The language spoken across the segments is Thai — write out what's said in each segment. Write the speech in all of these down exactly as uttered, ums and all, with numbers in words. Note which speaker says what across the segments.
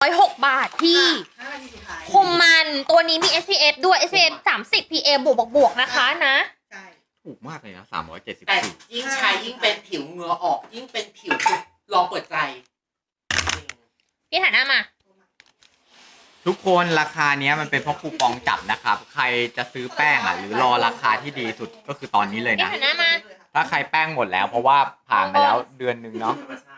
Speaker 1: ร้อยหกบาทพี่คุมมันตัวนี้มี เอส พี เอฟ ด้วย เอส พี เอฟ สามสิบ พี เอ บวกบวกบวกนะคะนะ
Speaker 2: ถูกมากเลยนะสามร้อยเจ็ดสิบ
Speaker 3: แต่
Speaker 2: สี่
Speaker 3: ยิ่งใช้ยิ่งเป็นผิวเหงื่อออกยิ่งเป็นผิวลองเปิดใจ
Speaker 1: พี่ถ่ายหน้ามา
Speaker 2: ทุกคนราคาเนี้ยมันเป็นเพราะคูปองจับนะครับใครจะซื้อแป้งอ่ะหรือรอราคาที่ดีสุดก็คือตอนนี้เลยนะถ้าใครแป้งหมดแล้วเพราะว่าผ่านไปแล้วเดือนหนึ่งเนาะ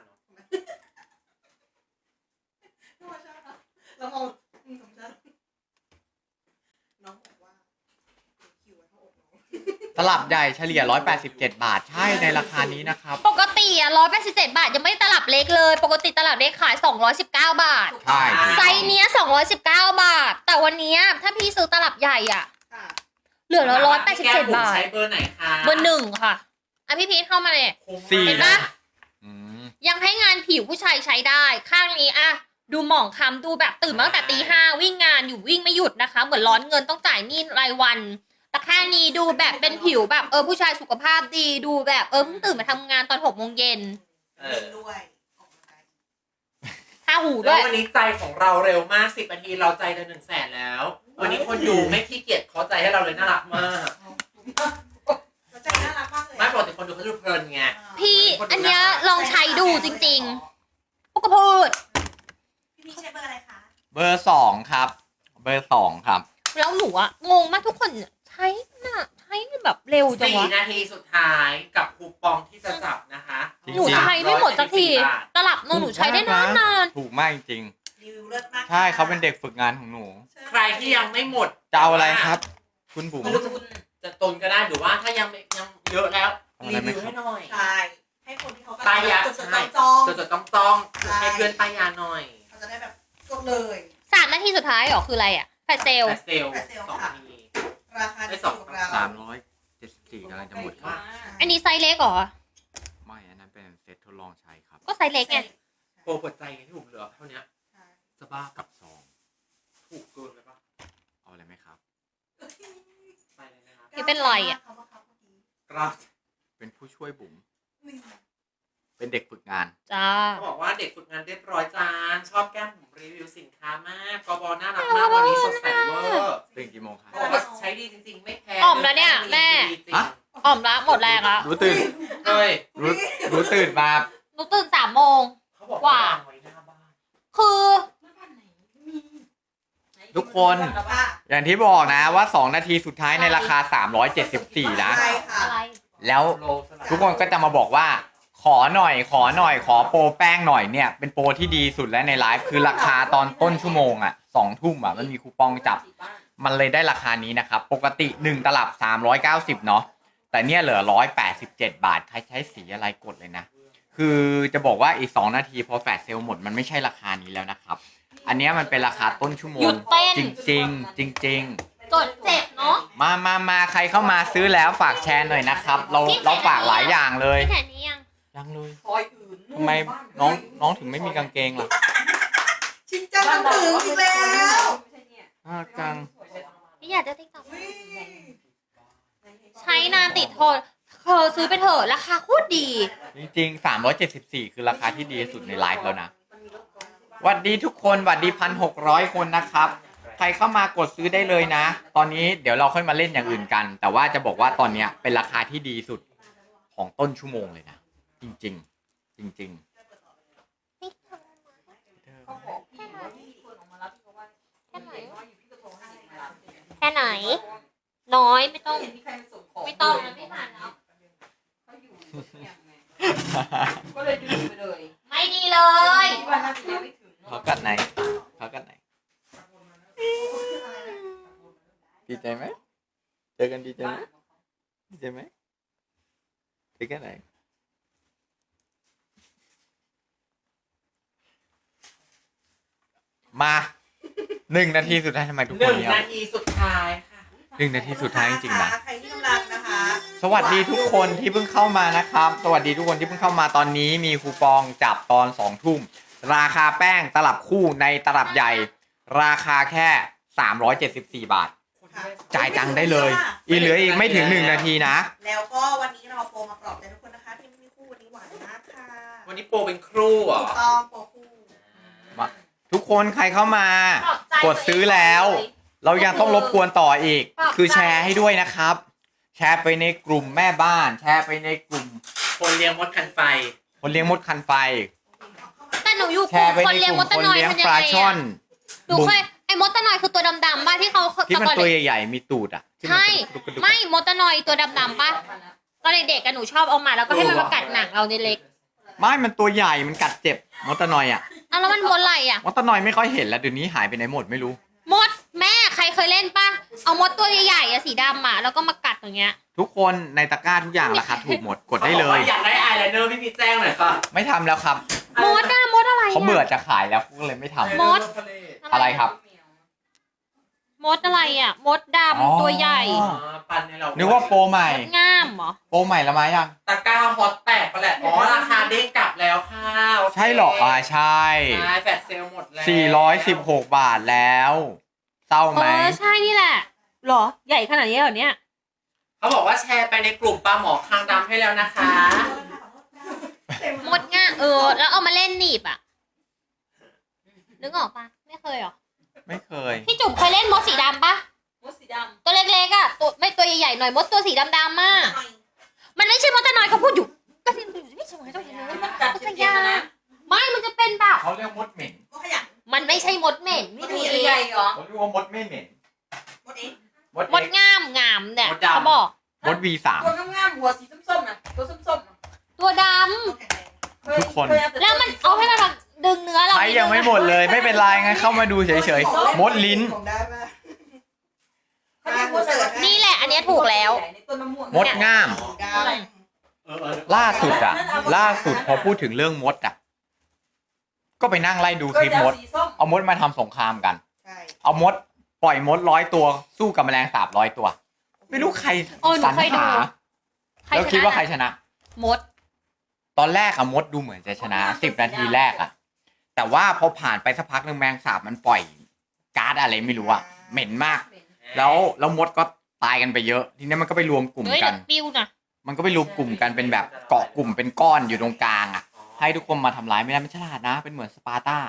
Speaker 2: ตลับใหญ่เฉลี่ยหนึ่งร้อยแปดสิบเจ็ดบาทใช่ในราคานี้นะครับ
Speaker 1: ปกติอ่ะหนึ่งร้อยแปดสิบเจ็ดบาทยังไม่ตลับเล็กเลยปกติตลับเล็กขายสองร้อยสิบเก้าบาท
Speaker 2: ใช่
Speaker 1: ไซส์เนี้ยสองร้อยสิบเก้าบาทแต่วันนี้ถ้าพี่ซื้อตลับใหญ่อ่ะเหลือหนึ่งร้อยแปดสิบเจ็ดบาท
Speaker 3: ใช้เบอร์ไหนคะ
Speaker 1: เบอร์หนึ่งค่ะอ่ะพี่พีทเข้ามาเลย
Speaker 2: สี่
Speaker 1: เห็นปะยังให้งานผิวผู้ชายใช้ได้ข้างนี้อ่ะดูหมองคล้ำดูแบบตื่นมาตั้งแต่ตีห้าวิ่งงานอยู่วิ่งไม่หยุดนะคะเหมือนร้อนเงินต้องจ่ายหนี้รายวันแต่ข้างนี้ดูแบบเป็นผิวแบบเออผู้ชายสุขภาพดีดูแบบเออเพิ่งตื่นมาทำงานตอนหกโมงเย็น
Speaker 3: ด้วย
Speaker 1: ท่าหูด้วย
Speaker 3: วันนี้ใจของเราเร็วมากสิบนาทีเราใจจะหนึ่งแสนแล้ววันนี้คนดูไม่ขี้เกียจขอใจให้เราเลยน่ารักมาก
Speaker 4: ใจน่ารักมากเลย
Speaker 3: ไม่ปกติคนดูเขาดูเพลินไง
Speaker 1: พี่อันเนี้ยลองใช้ดูจริงๆพวกกระพูด
Speaker 4: พี่พี่ใช้เบอร์อะไรคะ
Speaker 2: เบอร์สองครับเบอร์สองครับ
Speaker 1: แล้วหนูอะงงมากทุกคนใช้น่ะใช้แบบเร็วจังวะ
Speaker 3: สี่นาทีสุดท้ายกับคูปองที่จะจับนะคะ
Speaker 1: หนูใช้ไม่หมดสักทีตลับหนูใช้ได้นานนาน
Speaker 2: ถูกมากจริง
Speaker 4: รีวิวเลิศมาก
Speaker 2: ใช่เขาเป็นเด็กฝึกงานของหนู
Speaker 3: ใครที่ยังไม่หมด
Speaker 2: จะเอาอะไรครับคุณบุ๋ม
Speaker 3: จะตนก็ได้หรือว่าถ้ายังยังเยอะแล้วรีวิวให้หน่อย
Speaker 4: ใช่ให้คนที่เขา
Speaker 3: ป้ายยา
Speaker 4: จดจดจ้อง
Speaker 3: จดจดต้องต้องให้เพื่อนป้ายยาหน่อย
Speaker 4: เขาจะได้แบบกดเลย
Speaker 1: สามนาทีสุดท้ายหรอคืออะไรอะแฟชเซล
Speaker 3: แฟชเซลสองนาที
Speaker 4: ราคาได้สอง
Speaker 2: สามร้อยเจ็ดสิบสี่กำลังจะหมดครับ
Speaker 1: อันนี้ไซส์เล็กเหรอ
Speaker 2: ไม่อันนั้นเป็นเซตทดลองใช้ครับ
Speaker 1: ก็ไซส์เล็กไง
Speaker 3: โปรเปิดใจไงที่ผมเหลือเท่านี้จะบ้า
Speaker 2: กับซอง
Speaker 3: ถูกเกินไปปะ
Speaker 2: เอาอะไรไหมครับ
Speaker 3: ไปเลยนะครับ
Speaker 1: นี่เป็นไรอ่ะ
Speaker 3: กราฟ
Speaker 2: เป็นผู้ช่วยบุ๋มเป็นเด็กฝึกงาน
Speaker 1: จ้า
Speaker 3: เขาบอกว่าเด็กฝึกงานเรียบร้อยจานชอบแก้มผมรีวิวสินค้ามากกบน่ารักมากวันนี้สดใสเวอร์
Speaker 2: ตื่นกี่โมงครับ
Speaker 3: ใช้ดีจริงๆไม่แพ้
Speaker 1: อ่อมแล้วเนี่ยแม่อ่อมละหมดแรงละ
Speaker 2: รู้ตื่น
Speaker 3: เฮ้ย
Speaker 2: รู้รู้ตื่นมา
Speaker 1: หนูตื่นสามโมง
Speaker 3: กว่า
Speaker 1: คือ
Speaker 2: ทุกคนอย่างที่บอกนะว่าสองนาทีสุดท้ายในราคาสามร้อยเจ็ดสิบสี่นะแล้วทุกคนก็จะมาบอกว่าขอหน่อยขอหน่อยขอโปรแป้งหน่อยเนี่ยเป็นโปรที่ดีสุดแล้วในไลฟ์คือราคาตอนต้นชั่วโมงอ่ะสองทุ่มอ่ะมันมีคูปองจับมันเลยได้ราคานี้นะครับปกติหนึ่งตลับสามร้อยเก้าสิบเนาะแต่เนี่ยเหลือหนึ่งร้อยแปดสิบเจ็ดบาทใครใช้สีอะไรกดเลยนะคือจะบอกว่าอีกสองนาทีพอแฟลชเซลหมดมันไม่ใช่ราคานี้แล้วนะครับอันนี้มันเป็นราคาต้นชั่วโมงจริงจริงจริงจริง
Speaker 1: กดเจ็บเนาะ
Speaker 2: มามามาใครเข้ามาซื้อแล้วฝากแชร์หน่อยนะครับเราเราฝากหลายอย่างเลยยังเลยทำไมน้องน้องถึงไม่มีกางเกงล่ะ
Speaker 4: ชินจังต้องถึงอีกแล้ว
Speaker 2: น่าจัง
Speaker 1: พี่อยากจะติ๊กต็อกใช้นานติดทนเธอซื้อไปเถอะราคาโคตรดี
Speaker 2: จริงๆสามร้อยเจ็ดสิบสี่คือราคาที่ดีสุดในไลฟ์แล้วนะสวัสดีทุกคนสวัสดีพันหกร้อยคนนะครับใครเข้ามากดซื้อได้เลยนะตอนนี้เดี๋ยวเราค่อยมาเล่นอย่างอื่นกันแต่ว่าจะบอกว่าตอนนี้เป็นราคาที่ดีสุดของต้นชั่วโมงเลยนะจริงจริงจริงจริง
Speaker 1: แค่ไหนน้อยไม่ต้องไม่ต้องนะไม่ผ่านแล้วก็เลยดึงไปเลยไม่ดีเลย
Speaker 2: เขากัดไหนเขากัดไหนดีใจไหมเจอกันดีใจไหมดีใจไหมเจอกันไหนมาหนึ่งนาทีสุดท้ายทำไมทุกคน
Speaker 3: เนี่ยหนึ่งนาทีสุดท้ายค่ะ
Speaker 2: หนึ่งนาทีสุดท้ายจริงๆนะ
Speaker 4: ใครที่กำลังนะคะ
Speaker 2: สวัสดีทุกคนที่เพิ่งเข้ามานะครับสวัสดีทุกคนที่เพิ่งเข้ามาตอนนี้มีคูปองจับตอนสองทุ่มราคาแป้งตลับคู่ในตลับใหญ่ราคาแค่สามร้อยเจ็ดสิบสี่บาทจ่ายตังค์ได้เลยอีเหลืออีกไม่ถึงหนึ่งนาทีนะ
Speaker 4: แล้วก็วันนี้เราโปรมาปลอบใจทุกคนนะคะที่ไม่มีคู่วันนี้หวานมากค่ะ
Speaker 3: วันนี้โปรเป็นครูเหรอ
Speaker 4: ต้องโปรคู่
Speaker 2: มาทุกคนใครเข้ามา
Speaker 1: ปลอบใจ
Speaker 2: กดซื้อแล้ว เรายังต้องรบกวนต่ออีก
Speaker 1: ปลอบใจ
Speaker 2: คือแชร์ให้ด้วยนะครับ แชร์ไปในกลุ่มแม่บ้าน แชร์ไปในกลุ่ม
Speaker 3: คนเลี้ยงมดคันไฟ
Speaker 2: คนเลี้ยงมดคันไฟ
Speaker 1: แต่หนูอยู่
Speaker 2: แชร์ไป
Speaker 1: คน
Speaker 2: ใน
Speaker 1: เลี้ย
Speaker 2: ก
Speaker 1: ง
Speaker 2: ลุ่
Speaker 1: ม
Speaker 2: ม
Speaker 1: ดตะ
Speaker 2: คน
Speaker 1: นอย
Speaker 2: เลี้ยง
Speaker 1: ทำยั
Speaker 2: ป
Speaker 1: ง
Speaker 2: ลา
Speaker 1: ไง
Speaker 2: ช่อ
Speaker 1: อะ
Speaker 2: น
Speaker 1: หนูเคยไอ้มดตะนอยคือตัวดำๆป่ะที่เขา
Speaker 2: ที่มัน
Speaker 1: ตอน
Speaker 2: ตัว
Speaker 1: เด็ก
Speaker 2: ใหญ่ๆมีตูดอ่ะที่มัน
Speaker 1: ใช่
Speaker 2: กระดุกกระดุก
Speaker 1: ไม่มดตะนอยตัวดำๆป่ะตอนเด็กๆกันหนูชอบเอามาแล้วก็ให้มันมากัดหนังเราในเล็ก
Speaker 2: ไม่มันตัวใหญ่มันกัดเจ็บมดตะนอยอ่ะ
Speaker 1: อ่ะแล้วมันมดอะไรอ่ะ
Speaker 2: มดตะนอยไม่ค่อยเห็นแล้วเดี๋ยวนี้หายไปไหนหมดไม่รู้
Speaker 1: มดแม่ใครเคยเล่นป่ะเอามดตัวใหญ่ๆอะสีดำอะแล้วก็มากัดอย่างเงี้ย
Speaker 2: ทุกคนในตะกร้าทุกอย่างราคาถูกหมดกดได้เล
Speaker 3: ขาย บอกว่าอยากได้อายไลเนอร์พี่พีชแจ้งหน่อยค่ะ
Speaker 2: ไม่ทำแล้วครับ
Speaker 1: มดอะมดอะไรอะ
Speaker 2: เขาเบื่อจะขายแล้วก็เลยไม่ทำ
Speaker 1: มด
Speaker 2: อะไรครับ
Speaker 1: มดอะไรอะมดดำ
Speaker 2: อ๋อ
Speaker 1: ตัวใหญ่
Speaker 3: อ๋อปันให้เรา
Speaker 2: นึกว่าโปรใหม่
Speaker 1: มดง่ามเหรอ
Speaker 2: โปรใหม่ละมายัง
Speaker 3: ตะกร้าฮอตแตกไปแหละอ๋อราคาเด้งกลับแล้วค่ะโค
Speaker 2: ใช่หรออ่าใช่
Speaker 3: ใช่แฟลชเซลหมดแล้ว
Speaker 2: สี่ร้อยสิบหกบาทแล้วเศร้า
Speaker 1: เอ
Speaker 2: ไหม
Speaker 1: อใช่นี่แหละเหรอใหญ่ขนาดนี้เหรอเนี่ย
Speaker 3: เขาบอกว่าแชร์ไปในกลุ่มปลาหมอคางดำให้แล้วนะคะ
Speaker 1: มดง่ามเออแล้วเอามาเล่นหนีบอะนึกออกปะไม่เคยเหรอ
Speaker 2: ไม่เคย
Speaker 1: พี่จุ๋มเคยเล่นมดสีดำปะ
Speaker 4: มดสีดำ
Speaker 1: ตัวเล็กๆอะตัวไม่ตัวใหญ่ๆหน่อยมดตัวสีดำๆมากมันไม่ใช่มดตะนอยเขาพูดอยู่ก็ที่ไม่ใช่มดตะนอย
Speaker 4: มันกัด
Speaker 1: มัน
Speaker 4: เจ็
Speaker 1: จะ
Speaker 4: บๆ
Speaker 1: ยา
Speaker 4: นะ
Speaker 1: ไม่มันจะเป็นแบบ
Speaker 2: เขาเรียกมดเหม็น
Speaker 4: มดขยัน
Speaker 1: มันไม่ใช่มดเหม็น
Speaker 4: ม
Speaker 1: ไม่
Speaker 4: ด
Speaker 1: ดี
Speaker 4: ใหญ่เหรอ
Speaker 2: เขาเรียกว่ามดไม่เหม็น
Speaker 4: มดเอง
Speaker 2: มด
Speaker 1: มด
Speaker 2: เอ็กซ์
Speaker 1: ง่ามงามเนี่ยเขาบอก
Speaker 2: มด วี สาม
Speaker 4: ตัวงามๆหัวสีส้มๆน่ะตัวส้มๆน่ะ
Speaker 1: ตัวด
Speaker 4: ตัวแข็งแรง
Speaker 2: ทุกคน
Speaker 4: เยเย
Speaker 1: ำแล้วมันเอาให้มันมาดึงเนื้อเรา
Speaker 2: ใครยังไม่หมดเลยไม่เป็นไรงั้นเข้ามาดูเฉยๆมดลิ้น
Speaker 4: ผมได้ปะเขาเรียกมดอะไร
Speaker 1: นี่แหละ อันเนี้ยถูกแล้ว
Speaker 4: ในต้นมะม่วง
Speaker 2: มดง่าม
Speaker 4: ดำ
Speaker 3: เออเออ
Speaker 2: ล่าสุดอะล่าสุดพอพูดถึงเรื่องมดอะก็ไปนั่งไล่ดูคลิปมด
Speaker 4: สีส้ม
Speaker 2: เอามดมาทำสงครามกัน
Speaker 4: ใช่
Speaker 2: เอามด ปล่อยมดร้อยตัว สู้กับแมลงสาบร้อยตัว ไม่รู้ใคร
Speaker 1: โอ้หนู
Speaker 2: สรร
Speaker 1: เคยดู
Speaker 2: หา
Speaker 1: ใคร
Speaker 2: แล้ว
Speaker 1: ช
Speaker 2: คิดว่า
Speaker 1: นะ
Speaker 2: ใครชนะ
Speaker 1: มด
Speaker 2: ตอนแรกอะมดดูเหมือนจะชนะสิบนาทีแรกอะแต่ว่าพอผ่านไปสักพักหนึ่งแมลงสาบมันปล่อยก๊าซอะไรไม่รู้อะเหม็นมาก แล้วแล้วมดก็ตายกันไปเยอะ ทีนี้มันก็ไปรวมกลุ่ม
Speaker 1: เฮ้ย
Speaker 2: กั
Speaker 1: เดี๋
Speaker 2: น
Speaker 1: ยวปิ้วนะ
Speaker 2: มันก็ไปรวมกลุ่มกันเป็นแบบเกาะกลุ่มเป็นก้อนอยู่ตรงกลางอะให้ทุกคนมาทำร้ายไม่ได้ไม่ฉลาดนะ เป็นเหมือนสปาร์ตา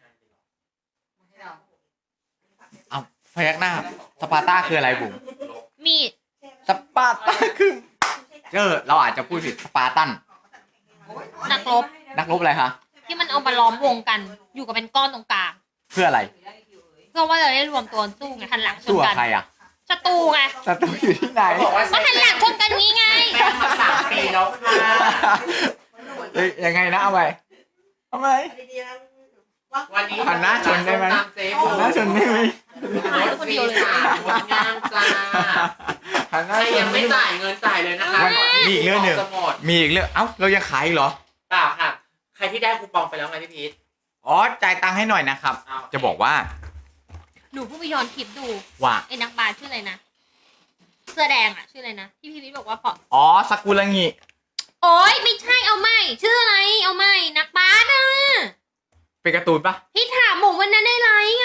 Speaker 2: เอาพยักหน้าสปาร์ตาคืออะไรบุ๋ม
Speaker 1: มีด
Speaker 2: สปาร์ตาคือเออเราอาจจะพูดผิดสปาร์ตัน
Speaker 1: นักรบ
Speaker 2: นักรบอะไรคะ
Speaker 1: ที่มันเอามาล้อมวงกัน อยู่กับเป็นก้อนตรงกลาง
Speaker 2: เพื่ออะไร
Speaker 1: เพื่อว่าจะได้รวมตัวสู้ไงหันหลังช
Speaker 2: สู้
Speaker 1: น
Speaker 2: กับ
Speaker 1: กัน
Speaker 2: ใครอะ
Speaker 1: ศัตรูไง
Speaker 2: ศัตรูอยู่ที่ไหน
Speaker 3: เขาบอกว่า
Speaker 1: ก็
Speaker 3: ใช้
Speaker 1: หันหลังชนกันงี้ไง
Speaker 3: แป้งมาสามปีแล้วค่ะ
Speaker 2: เอ้ยยังไงนะเอาไปเอาไป
Speaker 4: ดีๆนะ
Speaker 3: วันนี้
Speaker 2: หันหน้าชนได้ไหม
Speaker 3: ตามเจ๊บุ๋ม
Speaker 2: น่าชนได้ไหม
Speaker 3: รถฟรีสามงดงามจ้า
Speaker 2: หันห
Speaker 3: ใค
Speaker 2: น้าร ช
Speaker 3: ยั
Speaker 2: น
Speaker 3: งไม่จ่ายเงินจ่ายเลยนะคะ
Speaker 2: วันมีอีกเรื่องหนึ่ง
Speaker 3: จะหมด
Speaker 2: มีอีกเรื่องเอ้าเรายังขายอีกเหรอ
Speaker 3: เปล่าค่ะ ใครที่ได้คูปองไปแล้วไงพี่พีท
Speaker 2: อ๋อจ่ายตังค์ให้หน่อยนะครับ
Speaker 3: เอา
Speaker 2: จะบอกว่า
Speaker 1: หนูเพิ่งไปย้อนคลิปดู
Speaker 2: ว่า
Speaker 1: ไอ้นักบาสชื่ออะไรนะ เสื้อแดงอะชื่ออะไรนะ ที่พี่วิทย์บอกว่าพอ
Speaker 2: อ๋อสกุลงิ
Speaker 1: โอ๊ยไม่ใช่เอาใหม่ชื่ออะไร เอาใหม่นักบาสอะ
Speaker 2: เป็นการ์ตูนปะ
Speaker 1: พี่ถามหมูวันนั้นได้ไรไง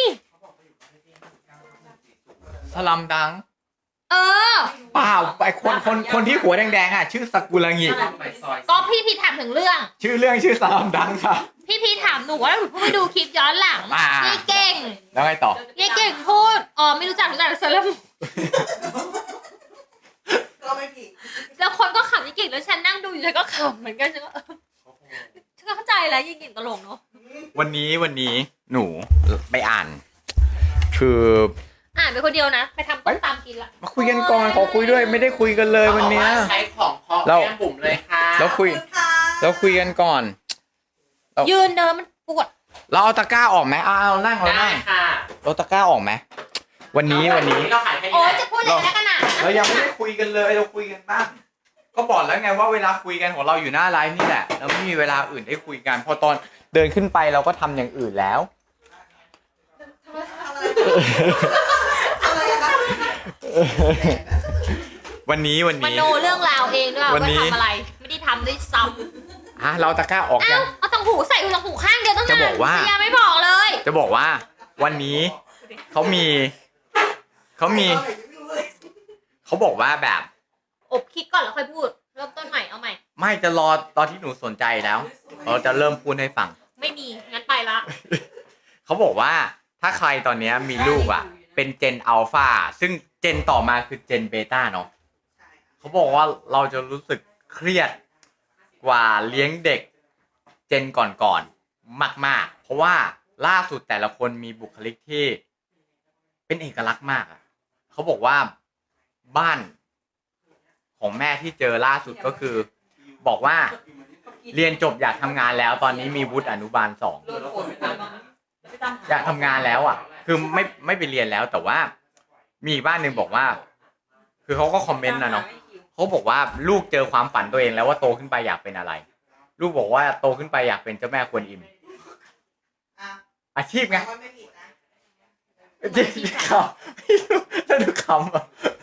Speaker 2: สลัมดัง
Speaker 1: เออ
Speaker 2: เปล่าไอคนคนคนที่หัวแดงๆอ่ะชื่อสกุลงิ
Speaker 3: ไปซอย
Speaker 1: ก็พี่พีถามถึงเรื่อง
Speaker 2: ชื่อเรื่องชื่อสลัมดังครับ
Speaker 1: พี่พีถามหนูว่าหนูเพิ่งไปดูคลิปย้อนหลัง
Speaker 2: อ่า
Speaker 1: ยายเก่ง
Speaker 2: แล้วไงต่อย
Speaker 1: ายเก่งพูด อ๋อไม่รู้จักรู้จักแต่เซเลม
Speaker 4: ก็ไม่ผิด
Speaker 1: แล้วคนก็ขำยายเก่งแล้วฉันนั่งดูอยู่ฉันก็ขำเหมือนกันฉันก็เออฉันก็เข้าใจแล้วยายเก่งตลกเนาะ
Speaker 2: วันนี้วันนี้หนูไปอ่าน คือ
Speaker 1: อ่านไปคนเดียวนะ ไปทำต้มตำกินละ
Speaker 2: มาคุยกันก่อนขอคุยด้วยไม่ได้คุยกันเลยวันเนี้ย
Speaker 3: ขาบอกาใช้ของเพาะ
Speaker 2: เรา
Speaker 3: แก้มบุ๋มเลยค่ะ
Speaker 2: แล้วคุย
Speaker 4: ขอบณค่ะ
Speaker 2: เราคุยกันก่อน
Speaker 1: ยืนเดินมันปวด
Speaker 2: เราเอาตะกร้าออกไหมเอาเอานั่งเรา
Speaker 3: ได้
Speaker 2: นั่ง
Speaker 3: ค่ะ
Speaker 2: เราตะกร้าออกไหมวันนี้วันนี้
Speaker 3: เราขายแค่
Speaker 1: โอ๊
Speaker 3: นี้
Speaker 1: ย
Speaker 3: แห
Speaker 1: จะ
Speaker 3: ละ
Speaker 1: พูดอะไรนักหนา
Speaker 2: เรายังไม่ได้คุยกันเลยเราคุยกันบ้างก็บอกแล้วไงว่าเวลาคุยกันของเราอยู่หน้าไลฟ์นี่แหละเราไม่มีเวลาอื่นได้คุยกันพอตอนเดินขึ้นไปเราก็ทำอย่างอื่นแล้ว
Speaker 4: ทำอะไรทำอะไรอะคะ
Speaker 2: วันนี้วัน
Speaker 1: ม
Speaker 2: นี้
Speaker 1: โนเรื่องราวเองด้วย
Speaker 2: วัน
Speaker 1: ว่า
Speaker 2: นี้
Speaker 1: ทำอะไร ไม่ได้ทำด้วยซ้
Speaker 2: อ่ะเราตะกร้าออก
Speaker 1: ำ
Speaker 2: ยั
Speaker 1: เอ้าง เอาตังหูใส่หูตังหูข้างเดียวตั้งนาน
Speaker 2: จะบอกว่า
Speaker 1: เสียไม่บอกเลย
Speaker 2: จะบอกว่า วันนี้เขามีเขามีเขาบอกว่าแบบ
Speaker 1: อบคิดก่อนแล้วค่อยพูด เริ่มต้นใหม่เอาใหม่
Speaker 2: ไม่จะรอตอนที่หนูสนใจแล้ว เราจะเริ่มพูดให้ฟัง
Speaker 1: ไม่มี งั้นไปละ
Speaker 2: เขาบอกว่าถ้าใครตอนเนี้ยมีลูกอ่ะ เป็นเจนอัลฟาซึ่งเจนต่อมาคือเจนเบต้าเนาะเขาบอกว่าเราจะรู้สึกเครียดกว่าเลี้ยงเด็กเจนก่อนๆมากๆเพราะว่าล่าสุดแต่ละคนมีบุคลิกที่เป็นเอกลักษณ์มากอ่ะเขาบอกว่าบ้านของแม่ที่เจอล่าสุดก็คือ บอกว่าเรียนจบอยากทำงานแล้ว ตอนนี้มีวุฒิอนุบาลสองอยากทำงานแล้วอ่ะ คือไม่ไม่ไปเรียนแล้ว แต่ว่ามีอีกบ้านหนึ่งบอกว่า คือเขาก็คอมเมนต์นะเนาะเขาบอกว่าลูกเจอความฝันตัวเองแล้วว่าโตขึ้นไปอยากเป็นอะไร ลูกบอกว่าโตขึ้นไปอยากเป็นเจ้าแม่กวนอิมอาชีพไง
Speaker 4: ไม่ผิดนะ
Speaker 2: จริงๆเขาไม่รู้แล้วดูคำ